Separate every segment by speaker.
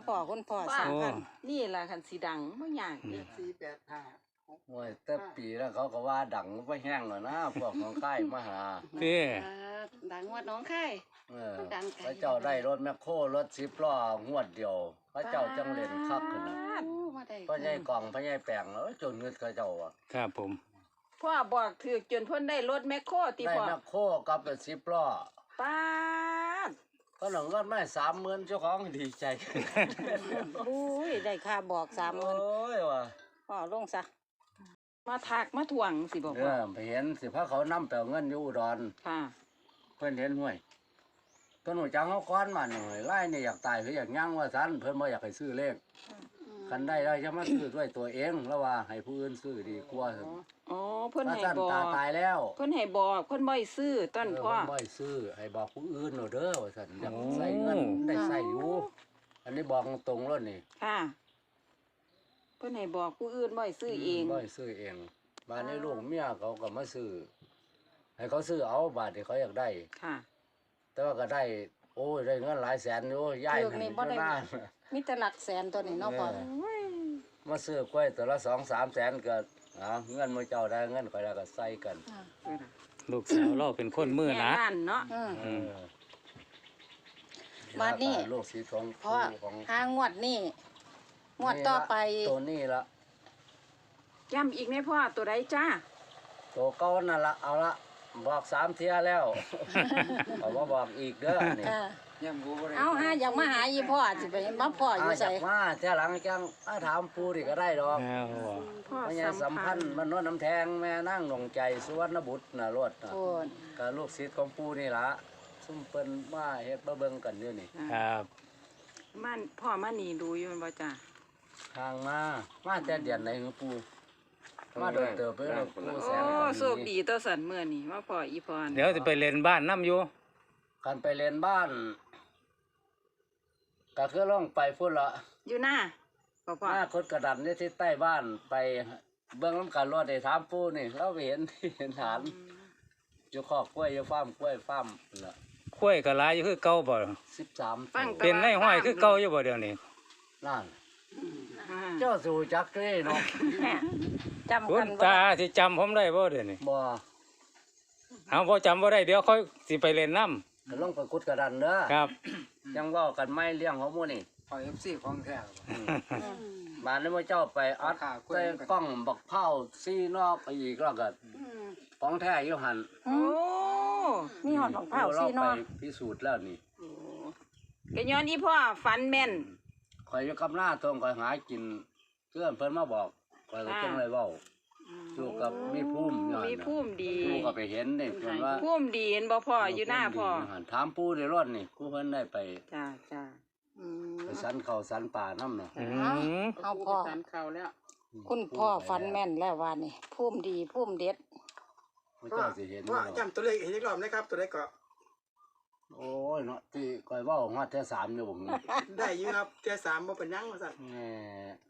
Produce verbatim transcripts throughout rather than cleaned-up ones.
Speaker 1: พ่อคุณพ่อสามพัน
Speaker 2: นี่ล่ะคันสิดังบ่ยากเด้อ
Speaker 3: สี่แปดห้า
Speaker 4: โอ้ยแต่ปีแล้วเขาก็ว่าดังไปแห้งแล้วนะพวกของค่ายมาหา
Speaker 5: พี่
Speaker 2: ดังวัดน้องค่าย
Speaker 4: เออพระเจ้าได้รถแมคโครรถสิบล้องวดเดียวพระเจ้าจังเล่นคักขึ้นนะพระใหญ่กล่องพระใหญ่แปลงแล้วจนเงินกระเจ้าอ่ะ
Speaker 5: ครับผม
Speaker 2: พ่อบอกถือจนเพิ่นได้รถแมคโครติ
Speaker 4: ได้
Speaker 2: พ่อ
Speaker 4: แมคโครกับเป็นสิบล้อ
Speaker 2: ป้าด
Speaker 4: ก็หนังเงินไม่สามหมื่นเจ้าของดีใจ
Speaker 1: อุ้ยได้ค่าบอกสามหมื่น
Speaker 4: โอ้ยว่ะ
Speaker 1: พ่อลงซะ
Speaker 2: มาทักมาทวงสิบอก
Speaker 4: เอ
Speaker 2: ว่า
Speaker 4: อไปเห็นสิพระเขานำแปลเงินอยู่อุดร
Speaker 2: ค่ะ
Speaker 4: เพิ่นเห็นห้วยต้นหัวจังเขาก้อนมาหน่อยไล่นี่อยากตายหรืออยากย่างว่าสันเพิ่นบ่อยากให้ซื้อเลขคันได้แล้วจะมาซื้อด้วยตัวเองแล้วว่าให้ผู้อื่นซื้อดีกว่า
Speaker 2: อ๋อเพิ่น
Speaker 4: ถ้า
Speaker 2: ให้
Speaker 4: ท่าน
Speaker 2: บอ
Speaker 4: ตาก ตายแล้ว
Speaker 2: เพิ่นให้บอกเพิ่นบ่ให้ซื้อต้น
Speaker 4: เออ
Speaker 2: พ่อ
Speaker 4: เพิ่นบ่ให้ซื้อให้บอกผู้อื่นเอาเด้อว่าซั่นอยากใส่เงินได้ใส่อยู่อันนี้บอกตรงๆแล้วนี่
Speaker 2: ค่ะ เพิ่นให้บอกผู้อื่นบ่ให้ซื้อเอง
Speaker 4: บ่ให้ซื้อเองบ้านนี้ลูกเมียเขาก็มาซื้อให้เขาซื้อเอาบาทที่เขาอยากได้
Speaker 2: ค่ะ
Speaker 4: แต่ว่าก็ได้โอ้ยได้เงินหลายแสนอยู่ย้าย
Speaker 1: เลือกนี่บ่ได้
Speaker 4: หน้า
Speaker 1: มีแต่หลักแสนตัวนี้เนาะพ่อ
Speaker 4: มาซื้อกล้วยตัวละสองสามแสนก็อ่าเงินมือเจ้าได้เงินข่อยได้ก็ใส่กัน
Speaker 5: ลูกสาวเราเป็นคนมือหนะ
Speaker 2: แม่บ้านเนาะ
Speaker 1: อืม
Speaker 4: เออ
Speaker 1: บัดนี้
Speaker 4: ลูกสีทอง
Speaker 1: เพราะ
Speaker 4: ของ
Speaker 1: หางวดนี่งวดต่อไป
Speaker 4: ตัวนี้ละ
Speaker 2: ย้ำอีกแม่พ่อตัวใดจ้า
Speaker 4: ตัวเก่านั่นละเอาละบอกสามเที่ยแล้ว เอามาบอกอีกเด้อนี่
Speaker 1: ค่ะ
Speaker 3: ยังกูบ่ได้
Speaker 1: เอาหาอยากมาหาอีพ่อสิไปมาพ่ออ
Speaker 4: อา
Speaker 1: ยู่
Speaker 4: จา
Speaker 1: ไส
Speaker 4: กมาเที่ยหลังจังมาถามปูดิก็ได้ดอก
Speaker 5: แล้ว
Speaker 2: พ่อ
Speaker 4: พญา
Speaker 2: สั
Speaker 4: สั
Speaker 2: ม
Speaker 4: ม
Speaker 2: พั
Speaker 4: พั
Speaker 2: น
Speaker 4: น
Speaker 2: ธ์
Speaker 4: ธ์มันนวดน้ำแทงแม่นั่งหลงใจสุวรรณบุตรน่ะรถน่ะ
Speaker 1: โอ้น
Speaker 4: ก็ลูกศิษย์ของปูนี่ล่ะซุ่มเปิ้นมาเฮ็ดมาเบิ่งกันอยู่นี่
Speaker 5: ครับ
Speaker 2: มันพ่อมานี่ดูอยู่แม่นบ่จ้า
Speaker 4: ทางมามาแต่เดือนไหนของปูมาโดนเติบไปแล้วปูแส
Speaker 2: โอ้
Speaker 4: นกัน
Speaker 2: โชคดีต่อสันมื้อนี้มาพ่ออีพร
Speaker 5: เดี๋ยวจะไปเล่นบ้านน้ำอยู่
Speaker 4: กันไปเรียนบ้านก็คือล่องไปพุ่นละ
Speaker 2: อยู่หน้าพ่อพ่อ
Speaker 4: หน้าคดกระดันนี่ที่ใต้บ้านไปเบื้องน้ำกันรถได้ถามปูนี่เราไปเห็น เห็นฐานอยู่คอกกล้วยอยู่ฟาร์มกล้วยฟาร์มละ
Speaker 5: ข้วยก็หลายอยู่คือเก่าบ่
Speaker 4: สิบสาม
Speaker 2: ฟัง
Speaker 4: ตัว
Speaker 5: เป็นในห้อยคือเก่าอยู่บ่เดี๋ยวนี้
Speaker 4: นั่น
Speaker 2: อ่า
Speaker 4: เจ้าสู่จักรีเนาะ
Speaker 1: แม่จำ
Speaker 5: คุ
Speaker 1: กั
Speaker 5: ณ
Speaker 1: นบ่
Speaker 5: ตา
Speaker 1: ได้
Speaker 5: ที่จำผมได้บ่เดี๋ยวนี้
Speaker 4: บ่
Speaker 5: เอาบ่จำบ่ได้เดี๋ยวค่อยสิไปเล่นน้
Speaker 4: ก็ลงไปคุดกระดันเด้อ
Speaker 5: ำครับ
Speaker 4: ยังเว่ากันไม่เลี้ยงของหมูนี่
Speaker 3: ขอ เอฟ ซี ของแท้
Speaker 4: บ้านนี้มื่อเจ้าไปอัดใส่กล้องบักเผาซีนอกไปอีกแล้วก็ของแท้อยู่หัน
Speaker 2: โอ้
Speaker 1: มีหอดของเผา
Speaker 4: เรา
Speaker 1: ซี
Speaker 4: ไป
Speaker 1: เนาะ
Speaker 4: พิสูจน์แล้วนี่
Speaker 2: ก็ย้อนอีพ่อฝันแม่น
Speaker 4: ข่อยอยู่กับหน้าทงข่อยหากินเพื่อนเพิ่นมาบอกข่อยก็จังเลยเว้าอยู่กับมีภูมิอยู่หั่น
Speaker 2: มี
Speaker 4: น่ะ
Speaker 2: ภูมิดี
Speaker 4: ปูก็ไปเห็นนี่เพิ่นว่า
Speaker 2: ภูมิดีเห็นบ่พ่ออยู่หน้าพ่อ
Speaker 4: ภูมิดียู่หั่นถามปูได้รอดนี่กูเพิ่นได้ไป
Speaker 2: จ้าจ้า
Speaker 1: อืม
Speaker 4: ไปสันเขาสันป่าน้ำน่ะ
Speaker 5: อืม
Speaker 1: เอาพ่อ
Speaker 2: สันเขาแล้ว
Speaker 1: คุณพ่อฝันแม่นแล้วว่านี่ภูมิดีภูมิเด็ด
Speaker 4: พระเจ้าสิเห็น
Speaker 3: ว่า
Speaker 4: อยู่
Speaker 3: จำตัวเลขเห็นอีกรอบนะครับ ตัวเลขก็
Speaker 4: โอ้ยเนาะที่ข่อยเว้าฮอดแท้สามอยู่บ่นี่
Speaker 3: ได้อยู่ครับเจ้าสามบ่เป็นหยังว่าซั่น
Speaker 4: แหม่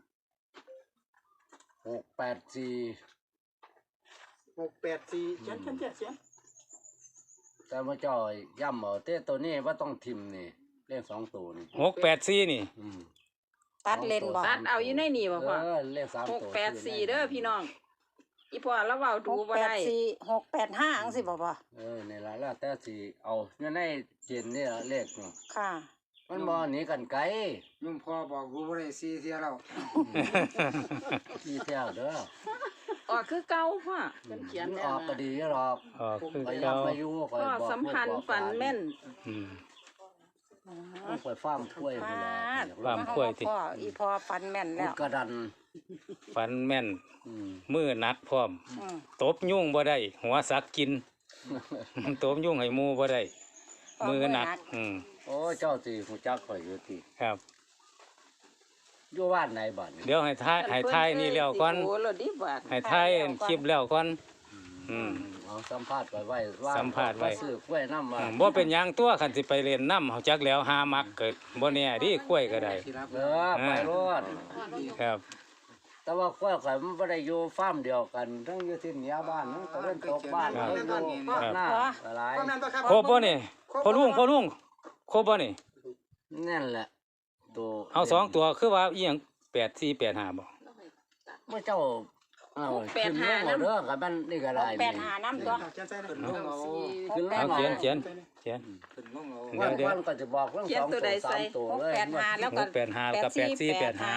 Speaker 4: หกแปดสี่
Speaker 3: หกแปดสี่เขียนเขียนเขียนเขียน
Speaker 4: แต่พระเจ้าย่ำเอาเต้ตัวนี้ว่าต้องทิมนี่เลขสองตัวนี่
Speaker 5: หกแปดสี่นี่
Speaker 4: อืม
Speaker 1: ตัดเลนบ่
Speaker 2: ตัดเอาอยู่ในนี่บ่พ่อ
Speaker 4: เออเลขสาม
Speaker 2: ห
Speaker 4: ตัว
Speaker 2: กแปดสี่เด้อพี่น้อง อีพ่อแล้วเว้า
Speaker 1: ห
Speaker 2: ดู
Speaker 1: ก
Speaker 2: บ่
Speaker 1: แปด
Speaker 2: ได้
Speaker 1: สี่หกแปดห้าจังสิบ่พ่อ
Speaker 4: เออในละแล้วแต่สิเอาเนี่ยในเจนนี่ละเลขเนาะ
Speaker 1: ค่ะ
Speaker 4: มันบ่หนีกันไกล
Speaker 3: ลุงพ่อบอกกูบ่ได้สี่เที่ยแล้ว
Speaker 4: ที่แท้เด้อ
Speaker 2: ออกคือเก่าพ่อเพิ่นเขียน
Speaker 4: มัน
Speaker 2: แล้
Speaker 4: อ
Speaker 2: ว
Speaker 4: อกก็ดีหรอก
Speaker 5: อ๋อคือ
Speaker 4: ข่อย
Speaker 5: เก่า
Speaker 4: ย้ำมาอยู่ข่อย
Speaker 2: พ่อ
Speaker 4: บอก
Speaker 2: สัมพันธ์ฝันแม่น
Speaker 5: อืม
Speaker 4: ลูกข่อยฟาร์มกล้วยพุ่นล่ะ
Speaker 5: ฟาร์มกล้วยติ
Speaker 1: พ่ออีพ่อฝันแม่น
Speaker 4: พุ
Speaker 1: แล้
Speaker 4: ด
Speaker 1: ว
Speaker 4: กระดัน
Speaker 5: ฟันแม่น
Speaker 4: อืม
Speaker 5: มือหนักพร้อม
Speaker 1: อืม
Speaker 5: ตบยุ่งบ่ได้ หัวสักกิน ตบยุ่งให้หมูบ่ได้ มือหนัก อืม
Speaker 4: โอ้เจ้าสิฮู้จักข่อยอยู่ติ
Speaker 5: ครับ
Speaker 4: อยู่บ้านไหนบ้านนี่
Speaker 5: เดี๋ยวให้ทายให้ทายนี่แล้วก่อน
Speaker 2: โอ้แล้วดิบาด
Speaker 5: ให้ทายคลิปแล้วก่อน อืม
Speaker 4: เอาสัมภาษณ์ไว้ไว้ว่า
Speaker 5: สัมภาษณ์ไว้
Speaker 4: ซื้อกล้วยน้ำมา
Speaker 5: อืมบ่เป็นหยังตัวคันสิไปเรียนน้ำเฮาจักแล้วหามักเกิดบ่แน่ดิกล้วยก็ได้
Speaker 3: ที่รับ
Speaker 4: เออไปรอด
Speaker 5: ครับ
Speaker 4: แต่ว่ากล้วยข่อยมันบ่ได้อยู่ฟาร์มเดียวกันทั้งอยู่ที่เหนือบ้านทั้งตะวันตกบ้าน
Speaker 5: ครั
Speaker 4: ทั้
Speaker 5: บ
Speaker 4: งอยู่หน้าหลาย
Speaker 3: ความนั้นตัวครับ
Speaker 5: ครบบ่นี่พอลุงพอลุงครบบ่นี่
Speaker 4: นั่นแหละตัว
Speaker 5: เอาสองตัวคือว่าอีหยังแปดสี่แปดห้าบ่
Speaker 4: เมื่อเจ้าเอาขึ้นลงเอาเด้อกับมันนี่ก็ได้
Speaker 1: แปดหาน้ำตัว
Speaker 3: เขียนใส่เลย
Speaker 4: ขึ้นลงเอา
Speaker 1: ห
Speaker 4: ขึ้
Speaker 1: ก
Speaker 4: นล
Speaker 1: แป
Speaker 4: ง
Speaker 1: ด
Speaker 5: เอา
Speaker 4: เอา
Speaker 5: เขียนเขียนเขียน
Speaker 3: ขึ้นลงเอา
Speaker 5: เดี๋
Speaker 4: วั
Speaker 5: ย
Speaker 4: น
Speaker 5: วเดี๋ยว
Speaker 4: วันก็จะบอกเรื่องสองตัวสามตัว
Speaker 1: หก
Speaker 4: เลย
Speaker 1: แปดหาแล้ว
Speaker 5: ห
Speaker 1: ก็
Speaker 5: กแปดห้ากับแปดสี่แปดห้า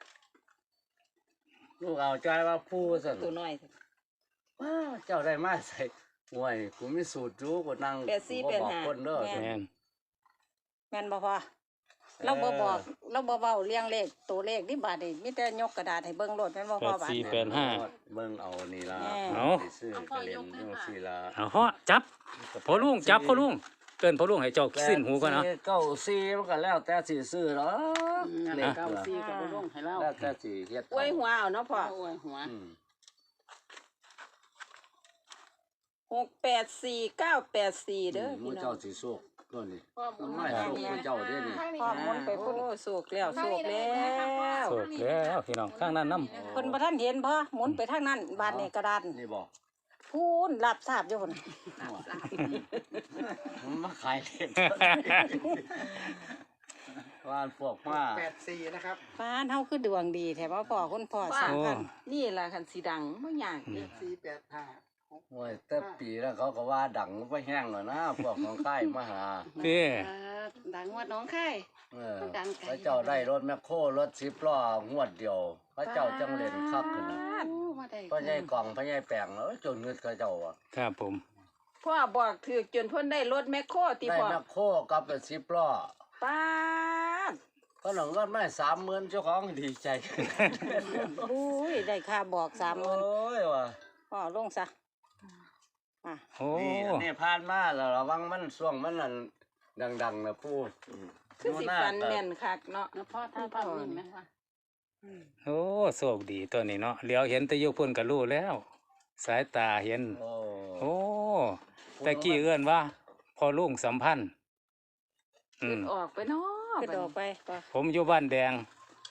Speaker 4: ลูกเอาใจว่าผู้สั่น
Speaker 1: ตัวน้อย
Speaker 4: ว้าวเจ้าได้มาใส่ห่วยกูมีสูตรรู้กูนั่ง
Speaker 1: แปดสี่
Speaker 4: กู
Speaker 1: แปด
Speaker 4: บอก
Speaker 1: ห้า
Speaker 4: คนเด้อ
Speaker 1: แม่
Speaker 5: แม่น
Speaker 1: แม่นบ่พอเราบ่บอกเราบ่เว้าเรียงเลขตัวเลขนี่บาดนี่มีแต่ยกกระดาษให้เบิ่งโลดแม่นบ่
Speaker 5: แป
Speaker 1: พอ
Speaker 5: ด
Speaker 1: บาด
Speaker 5: สี่
Speaker 1: นี้
Speaker 5: แปดห้า
Speaker 4: เบิ่งเอานี่ล่ะ
Speaker 1: แม่
Speaker 5: เอา
Speaker 4: ไปซื้อกระเล่นจังซี่ล่ะ
Speaker 5: เอาเหาะจับพ่อลุงจับพ่อลุงเกินพ่อลุงให้เจ้าสิ้นหูก่อนเนาะ
Speaker 4: แปดสี่เก้าสี่มันก็แล้วแต่สิซื้อเนาะเลข
Speaker 2: เก้า
Speaker 4: ล่ะ
Speaker 2: สี่กับบ่ลงให้เรา
Speaker 4: แล้วแต่สิเฮ็ด
Speaker 2: อวยหัวเอาเนาะพ่ออวยหัว
Speaker 4: อืม
Speaker 2: หกแปดสี่เก้าแปดสี่เด้อ
Speaker 4: หมู่
Speaker 2: พี่น้อ
Speaker 4: เจ้าง สิโชคตัวนี้มันไม่
Speaker 1: ครั
Speaker 4: โช
Speaker 1: บ
Speaker 4: คหมู่เจ้าเด้อนี่
Speaker 1: พ่อหมุนไป
Speaker 2: โอ้
Speaker 1: พุ่น
Speaker 2: โศกแล้วโศกแล้ว
Speaker 5: โศกแล้วพี่น้องข้างนั้นน้ำ
Speaker 1: เพิ่นบ่ทันเห็นพ่อหมุนไปทางนั้นบาดนี่กระดาน
Speaker 4: นี่บอก
Speaker 1: พูนรับทราบอยู่พุ่น
Speaker 4: มันมาขายเลขว่านพวกมา
Speaker 3: แปดสี่นะครับ
Speaker 1: บ้านเฮาคือดวงดีแท้ว่าพ่อคุณพ่อสร้าง
Speaker 5: โอ้
Speaker 1: กัน
Speaker 2: นี่ล่ะคันสีดังบ่ยาก
Speaker 3: แป
Speaker 2: เด้
Speaker 3: ดสี่แปดห้าหก
Speaker 4: โอ้ยแต่ปีแล้วเขาก็ว่าดังไปแห้งแล้วนะพวกของค่ายมาหา
Speaker 5: พี่
Speaker 2: ดังวัดน้องไข่
Speaker 4: เออ
Speaker 2: ดังไกล
Speaker 4: พระเจ้าได้รถแมคโครรถสิบล้องวดเดียวพระเจ้าจังเล่นคักขึ้นนะ
Speaker 2: มาได้
Speaker 4: พระใหญ่กล่องพระใหญ่แปลงแล้วจนเงินเขาเจ้าอ่ะ
Speaker 5: ครับผม
Speaker 2: พ่อบอกถือจนเพิ่นได้รถแมคโครติ
Speaker 4: ได้
Speaker 2: พ่อ
Speaker 4: แมคโครกับเป็นสิบล้อ
Speaker 2: ป้าด
Speaker 4: ก็หนังก็ไม่สามหมื่นเจ้าของดีใจ
Speaker 1: อุ้ยได้ค่าบอกสามห
Speaker 4: โอ้
Speaker 1: มื่น
Speaker 4: ยว่ะ
Speaker 1: พ่อลงซะอ่ะ
Speaker 5: โอ้
Speaker 4: นี่อันนี้ผ่านมาแล้วระวังมันช่วงมันนั่นดังๆนะปู่
Speaker 2: คือสิฟันแม่นคักเนาะ
Speaker 6: พ่อถ้าพ่อมีไหมวะ
Speaker 5: โอ้โชคดีตัวนี้เนาะเลี้ยวเห็นแตะยุพุ่นก็รู้แล้ว สายตาเห็น
Speaker 4: โอ้
Speaker 5: โอ้แต่กี้เอื้อนว่าพอลุงสัมพันธ์อื
Speaker 2: ขึ้
Speaker 5: ม
Speaker 2: นออกไปเนาะ
Speaker 1: ขึ้นออกไปพ่อ
Speaker 5: ผมอยู่บ้านแดง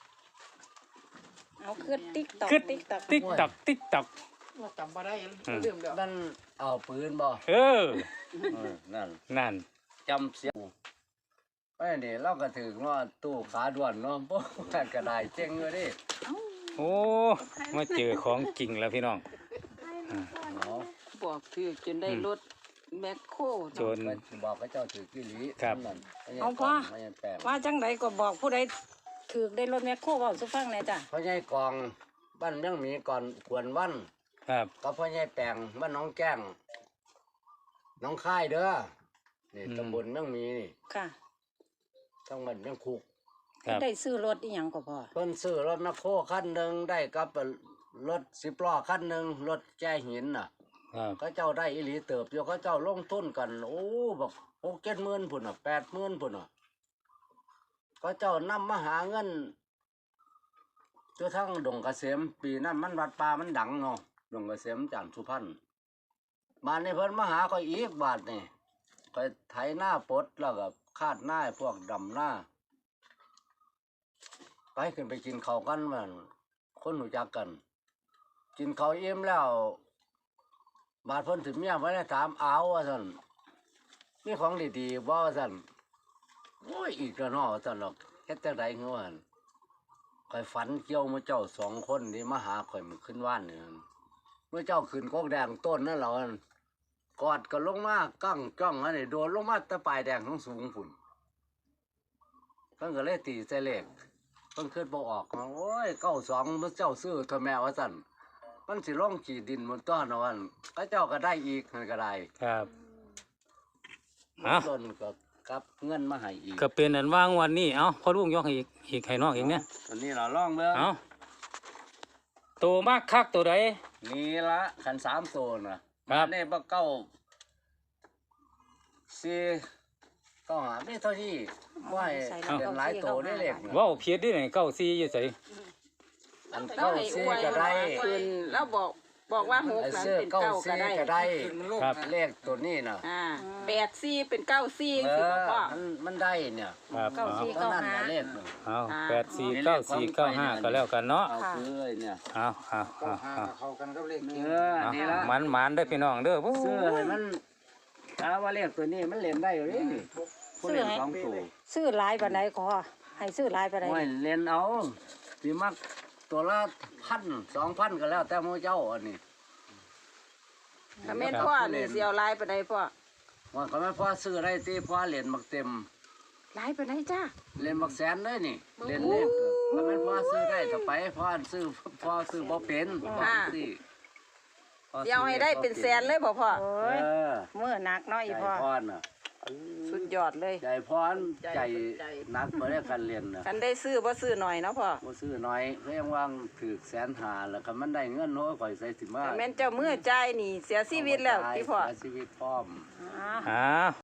Speaker 1: เอาขึ้นติ๊กตอก
Speaker 5: ขึ้น
Speaker 1: ติ๊กตอก
Speaker 5: ติ๊กตักติ๊กตัก
Speaker 3: ว่าจำบ่ได้
Speaker 5: อืม
Speaker 3: ลืมแล้ว
Speaker 4: นั่นเอาปืนบ่
Speaker 5: เออ
Speaker 4: เออนั่น
Speaker 5: นั่น
Speaker 4: จำเสียงไอ้นี่เราก็ถึงว่าตู้ขาด่วนเนาะ พวกนั่นก็ได้เจ๊งเลยดิ
Speaker 5: โอ้มาเจอของจริงแล้วพี่น้อง
Speaker 4: เนาะ
Speaker 2: บอกถือจนได้รถแมคโคร
Speaker 5: จน
Speaker 4: ไปบอกให้เจ้าถือกิริ
Speaker 5: ครับ
Speaker 4: นั่นไม่ใช่
Speaker 1: เอาพ่อ
Speaker 4: ไม่ใช่แปลง
Speaker 1: ว่าจังไดก็บอกผู้ใดถือได้รถแมคโครเว้าสุฟังแหน่จ้ะ
Speaker 4: พ่อใหญ่กองบ้านยังมีก่อนกวนวัน
Speaker 5: ครับ
Speaker 4: กับพ่อใหญ่แปลงบ้านน้องแก้งน้องค่ายเด้อนี่
Speaker 5: อืม
Speaker 4: ตำบลยังมีนี่
Speaker 1: ค่ะ
Speaker 4: ทั้งบ้านยังคุก
Speaker 5: ครับ
Speaker 1: ได้ซื้อรถอีหยังก็พอ
Speaker 4: เพิ่นซื้อรถแมคโครคันหนึ่งได้กับรถสิบล้อคันหนึ่งรถแจ้หินน่ะ
Speaker 5: ครับ
Speaker 4: เขาเจ้าได้อิหลีเติบอยู่เขาเจ้าลงทุนกัน โอ้บอกหกเจ็ดหมื่นพุ่นอ่ะแปดหมื่นพุ่นอ่ะเขาเจ้านำมาหาเงินจนทั้งดงเกษมปีนั้นมันวัดป่ามันดังเนาะดงเกษมจันทร์สุพรรณมาในเพิ่นมาหาก็อีกบาทนี่ก็ไถหน้าปลดแล้วก็คาดหน้าให้พวกดำหน้า ไปขึ้นไปกินข้าวกันมันคนหูจักกัน กินข้าวเอี่ยมแล้ว บาดเพิ่นถึงเมียไว้ได้ถามเอาว่าซั่นมีของดีๆบ่ว่าซั่นโอ้ยอีกแล้วเนาะว่าซั่นหรอกเฮ็ดจังได๋เงาหั่นข่อยฝันเกี่ยวมื้อเจ้าสองคนนี่มาหาข่อยมื้อขึ้นว่านนี่หั่นมื้อเจ้าขึ้นกอกแดงต้นนั่นเหรอหั่นกอดก็ลงมากั้งจ้องอันนี้โดนลงมาแตะปลายแดงสูงๆพุ่นเพิ่นก็เลยตีใส่เลขเพิ่นคิดบ่ออกว่าโอ้ยเก้าสองมื้อเจ้าซื้อเท่าแม่ว่าซั่น มันสิลงขีดดินบนต้นนอนก็เจ้าก็ได้อีกมันก็ได้
Speaker 5: ครับ
Speaker 4: มัน
Speaker 5: อ่ะ
Speaker 4: ต้นก็กลับเงินมาให้อีก
Speaker 5: ก็เป็นอันว่างวันนี้เอ้าพอลุงยกให้อีกอีกให้น้องอีกเนี่ย
Speaker 4: ตัวนี้เราล่องเบิ่ง
Speaker 5: เอ้าตัวมากคักตัวใด
Speaker 4: นี่ละขันสามโซนน่ะ
Speaker 5: ครับ
Speaker 4: นี่บ่เก้าสี่เก้าหาไม่เท่าที่ว่าให้เป็นหลายโตได้เล็กน่ะ
Speaker 5: เว้าผิดดิไหนเก้าสี่อยู่ไส
Speaker 4: อัน
Speaker 2: เรา
Speaker 4: เก้า
Speaker 2: ให้อ
Speaker 4: สี่
Speaker 2: วย
Speaker 4: ก็ได้
Speaker 2: ขึ้นแล้วบอกบอกว่าหก
Speaker 4: ไอ้
Speaker 2: นั้น
Speaker 4: เสื้อ
Speaker 2: เป็น
Speaker 4: เก้า
Speaker 2: เก้าก็
Speaker 4: สี่
Speaker 2: ได้
Speaker 4: ก็ได้
Speaker 5: ครับ
Speaker 4: เลขตัวนี้น่ะ
Speaker 2: อ่าแปดสี่เป็นเก้าสี่
Speaker 4: เอ
Speaker 2: สิ
Speaker 4: อ
Speaker 2: พ่อ
Speaker 4: มันมันได้เนี่ย
Speaker 5: ครับ
Speaker 1: เก้า
Speaker 5: เอา
Speaker 1: สี่
Speaker 4: ก็นั่นน่ะเลขน่ะ
Speaker 5: เอาแปดสี่เก้าสี่เก้าห้าก็แล้วกันเนาะ
Speaker 4: เอาซื้อไอ้เนี่ย
Speaker 5: เอาเอา
Speaker 3: ก็
Speaker 5: เอา
Speaker 3: หา
Speaker 5: เอา
Speaker 3: เข้ากันกับเลข
Speaker 4: เอ
Speaker 3: เก่ง
Speaker 4: อ
Speaker 5: เอา
Speaker 4: นี่ละ
Speaker 5: มันมันได้อพี่น้องเด้อโอ้
Speaker 4: ซื้อให้มันถ้าว่าเลขตัวนี้มันเล่นได้อยู่นี่นี่ผู้เล่นสองตัว
Speaker 1: ซื้อหลายบันไดขอให้ซื้อหลายไปได้
Speaker 4: ห้วยเล่นเอาสิมักตัวละพันสองพันก็แล้วแต่หมู่เจ้าอันนี้
Speaker 2: ถ้าแม่นพ่อนี่สิเอาหลายไปไหนพ่อ
Speaker 4: ว่าก็ไม่พอซื้อได้ที่พอเหรียญมักเต็ม
Speaker 2: หลายไปไหนจ้า
Speaker 4: เหรียญมักแสนเลยนี่เหรียญเล็กก็ไม่พอซื้อได้ถ้าไปพอซื้อพอซื้อบ่เป็นพอซื้อพอ
Speaker 2: สิเอาให้ได้เป็นแสนเลยบ่พ่อ
Speaker 1: โอ้
Speaker 4: เอย อ
Speaker 1: มื้อหนักเนาะอี
Speaker 4: ใจ
Speaker 1: พ่อ
Speaker 4: พรน่ะ
Speaker 2: สุดยอดเลย
Speaker 4: ใจพรใจนักบ่ได้กันเรียนน่ะ
Speaker 2: คันได้ซื้อบ่ซื้อหน่อยเนาะพ่อ
Speaker 4: บ่ซื้อน้อยเพียงว่างถือแสนหาแล้วก็มันได้เงินโน้อยข่อยใส่สิมา
Speaker 2: ถ้าแม่นเจ้ามือจ่ายนี่เสียชีวิตแล้วพี่พ่อ
Speaker 4: เสียชีวิตพร้อม
Speaker 1: อ่า
Speaker 5: อ้าว